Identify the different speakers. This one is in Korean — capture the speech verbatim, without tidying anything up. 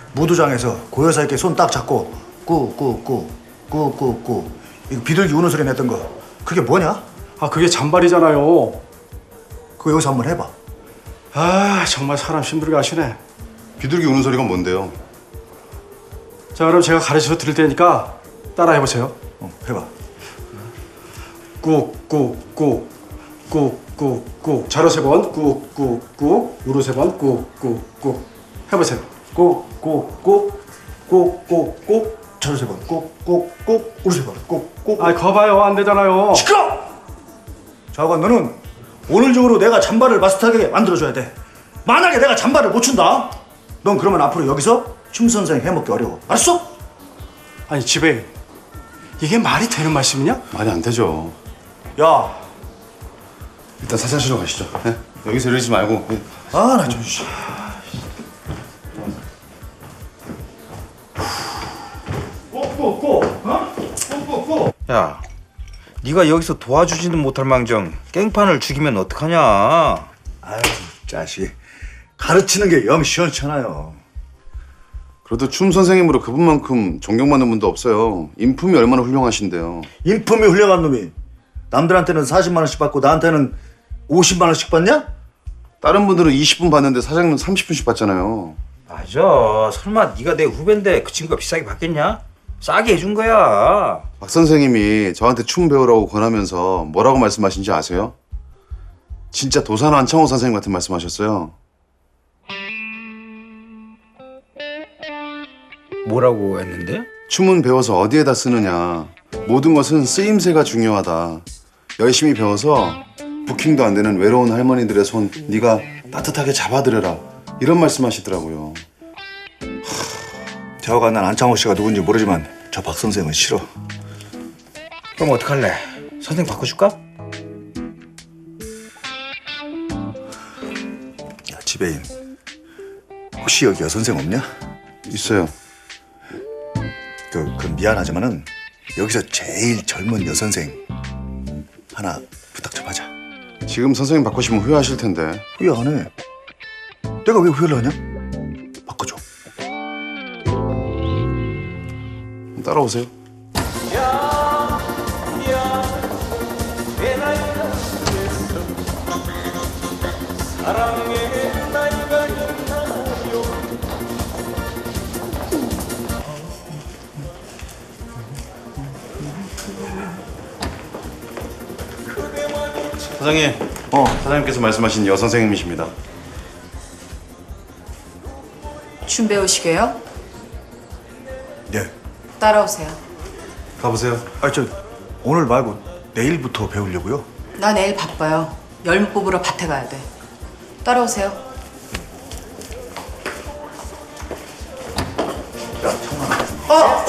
Speaker 1: 무도장에서 고여사님께 손 딱 잡고 꾸꾸꾸 꾸꾸꾸 이거 비둘기 우는 소리 냈던 거 그게 뭐냐?
Speaker 2: 아 그게 잔발이잖아요.
Speaker 1: 그거 여기서 한번 해봐.
Speaker 2: 아 정말 사람 힘들게 하시네.
Speaker 3: 비둘기 우는 소리가 뭔데요?
Speaker 2: 자 그럼 제가 가르쳐 드릴 테니까 따라 해보세요.
Speaker 1: 어, 해봐.
Speaker 2: 꾹꾹꾹 꾹꾹꾹 자로 세 번 꾹꾹꾹 우로 세 번 꾹꾹꾹 해보세요.
Speaker 1: 꾹꾹꾹 꾹꾹꾹 저를 세 번 꾹꾹꾹 우리 세 번 꾹꾹.
Speaker 2: 아 거봐요 안 되잖아요.
Speaker 1: 시끄러! 좌관 너는 오늘 중으로 내가 잠바를 마스터하게 만들어줘야 돼. 만약에 내가 잠바를 못 춘다, 넌 그러면 앞으로 여기서 춤 선생 해먹기 어려워. 알았어?
Speaker 2: 아니 집에 이게 말이 되는 말씀이냐?
Speaker 3: 말이 안 되죠.
Speaker 1: 야,
Speaker 3: 일단 사장실로 가시죠. 네? 여기서 이러지 말고. 네.
Speaker 1: 아 나 좀. 씨. 꾹꾹꾹, 어? 꾹꾹꾹.
Speaker 4: 야, 네가 여기서 도와주지는 못할 망정 깽판을 죽이면 어떡하냐?
Speaker 1: 아유 자식, 가르치는 게 영 시원찮아요.
Speaker 3: 그래도 춤 선생님으로 그분만큼 존경받는 분도 없어요. 인품이 얼마나 훌륭하신데요.
Speaker 1: 인품이 훌륭한 놈이 남들한테는 사십만 원씩 받고 나한테는 오십만 원씩 받냐?
Speaker 3: 다른 분들은 이십 분 받는데 사장님은 삼십 분씩 받잖아요.
Speaker 4: 맞아. 설마 네가 내 후배인데 그 친구가 비싸게 받겠냐? 싸게 해준 거야.
Speaker 3: 박 선생님이 저한테 춤 배우라고 권하면서 뭐라고 말씀하신지 아세요? 진짜 도산 안창호 선생님 같은 말씀하셨어요.
Speaker 4: 뭐라고 했는데?
Speaker 3: 춤은 배워서 어디에다 쓰느냐. 모든 것은 쓰임새가 중요하다. 열심히 배워서 부킹도 안 되는 외로운 할머니들의 손 네가 따뜻하게 잡아드려라. 이런 말씀하시더라고요.
Speaker 1: 저가 난 안창호 씨가 누군지 모르지만 저 박 선생은 싫어.
Speaker 4: 그럼 어떡할래? 선생 바꿔줄까?
Speaker 1: 야 지배인, 혹시 여기 여선생 없냐?
Speaker 3: 있어요.
Speaker 1: 그, 그 미안하지만은 여기서 제일 젊은 여선생 하나 부탁 좀 하자.
Speaker 3: 지금 선생님 바꾸시면 후회하실 텐데.
Speaker 1: 후회 안 해. 내가 왜 후회를 하냐? 바꿔줘.
Speaker 3: 따라오세요. 사장님,
Speaker 1: 어.
Speaker 3: 사장님께서 말씀하신 여 선생님이십니다.
Speaker 5: 춤 배우시게요?
Speaker 1: 네.
Speaker 5: 따라오세요.
Speaker 3: 가보세요.
Speaker 1: 아 저 오늘 말고 내일부터 배우려고요.
Speaker 5: 나 내일 바빠요. 열무 뽑으러 밭에 가야 돼. 따라오세요.
Speaker 1: 야 청아. 어.